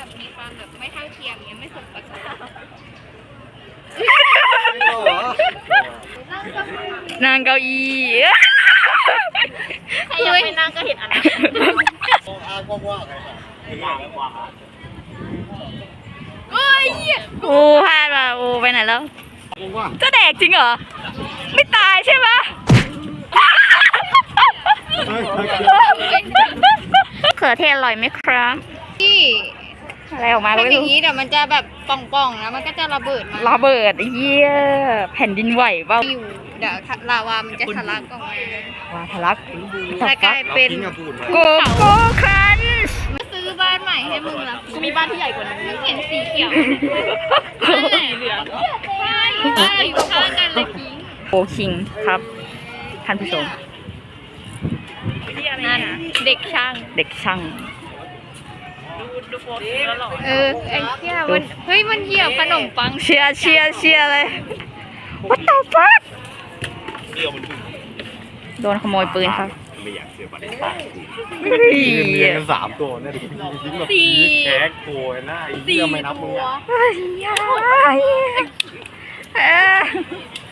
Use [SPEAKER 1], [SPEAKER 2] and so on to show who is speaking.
[SPEAKER 1] แบบมีความแบบไม่เท่าเทียมเนี่ยไม่สมประสงค์
[SPEAKER 2] นางเก้าอี้
[SPEAKER 1] ใครยังไม่นั่งก็เห็นอันนั้น เฮ้ย
[SPEAKER 2] โอ้พลาดว่ะโอ้ไปไหนแล้วจะแดกจริงเหรอ ไม่ตายใช่ปะเขือเทศอร่อยไหมครับ
[SPEAKER 1] ที่
[SPEAKER 2] อะไรออกมา
[SPEAKER 1] เป็
[SPEAKER 2] ก็
[SPEAKER 1] น
[SPEAKER 2] ไม่
[SPEAKER 1] อย่า
[SPEAKER 2] รู้
[SPEAKER 1] งนี้เดี๋ยวมันจะแบบป่องๆแล้วมันก็จะระเบิดมา
[SPEAKER 2] ระเบิดเยี่ยแผ่นดินไหวเปล่า
[SPEAKER 1] อยู่เดี๋ยวลาวามันจะทะลักออกมา
[SPEAKER 2] ว้าทะลัก
[SPEAKER 1] จะกลายเป็น
[SPEAKER 2] โกโก้ครันช์
[SPEAKER 1] มาซื้อบ้านใหม่ให้มึงละกูมีบ้านที่ใหญ่กว่านั้นเห็นสีเขียวสีเหลืองใช่บ้านอยู่ข้างกันเลยกิ้ง
[SPEAKER 2] โกคิงครับท่านผู้ชม
[SPEAKER 1] นั่นเด็กช่าง
[SPEAKER 2] เด็กช่าง
[SPEAKER 1] ไอ้เหี้ยมันเฮ้ยมันเหยียบขนมปัง
[SPEAKER 2] เชียร์เลย What the fuck โดนขโมยปืนครับ
[SPEAKER 3] ไม่อยากเสียบัตร
[SPEAKER 2] เฮ้ย
[SPEAKER 3] เรียนกัน3 ตัวเนี่ยทิ้งแบบแท็กโกยหน้าไอ้เหี้ยไม่นับมึงอ่ะ
[SPEAKER 2] เฮ้ย